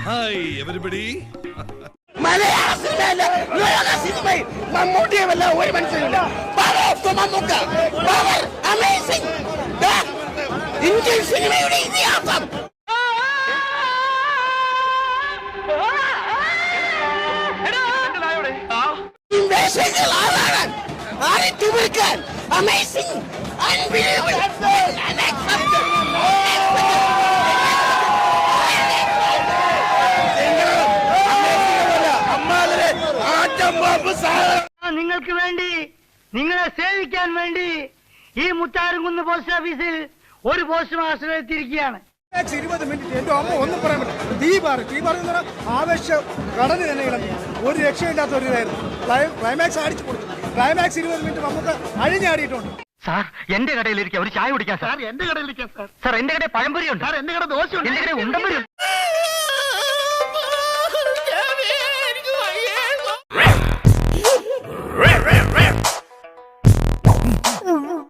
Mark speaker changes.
Speaker 1: Hi everybody.
Speaker 2: മലയാള സിനിമയിലെ ലോക സിനിമയിൽ മമ്മൂട്ടിയെ വല്ല ഒരു മനുഷ്യനില്ല. അമേസിംഗ് ഇന്ത്യൻ സിനിമയുടെ ഇതിഹാസം. വേഷങ്ങൾ ആരാണ്? ആരെ തിമിർക്കാൻ? അമേസിംഗ്, അൺബിലീവബിൾ,
Speaker 3: നിങ്ങൾക്ക് വേണ്ടി, നിങ്ങളെ സേവിക്കാൻ വേണ്ടി ഈ മുത്താരംകുന്ന് പോസ്റ്റ് ഓഫീസിൽ ഒരു പോസ്റ്റ് മാസ്റ്റർ എത്തിയിരിക്കുകയാണ്.
Speaker 4: 20 മിനിറ്റ് എന്റെ അമ്മ ഒന്നും പറയാൻ പറ്റില്ല. തീപാറ് ആവേശ കടന് തന്നെ ഇളങ്ങി. ഒരു രക്ഷയില്ലാത്ത ഒരു ഇതായിരുന്നു. ക്ലൈമാക്സ് അടിച്ചു കൊടുത്തു. ക്ലൈമാക്സ് 20 മിനിറ്റ് നമുക്ക് അഴിഞ്ഞാടിയിട്ടുണ്ട്.
Speaker 3: സാർ എന്റെ കടയിലിരിക്കാം, ഒരു ചായ കുടിക്കാം സാർ. എന്റെ കടയിലിരിക്കാം സാർ. സാർ എന്റെ കടയിൽ പഴംപൊരി ഉണ്ട് സാർ. എന്റെ കട ദോശ ഉണ്ട്. എന്റെ കടയിൽ ഉണ്ടമ്പൊരി ഉണ്ട്.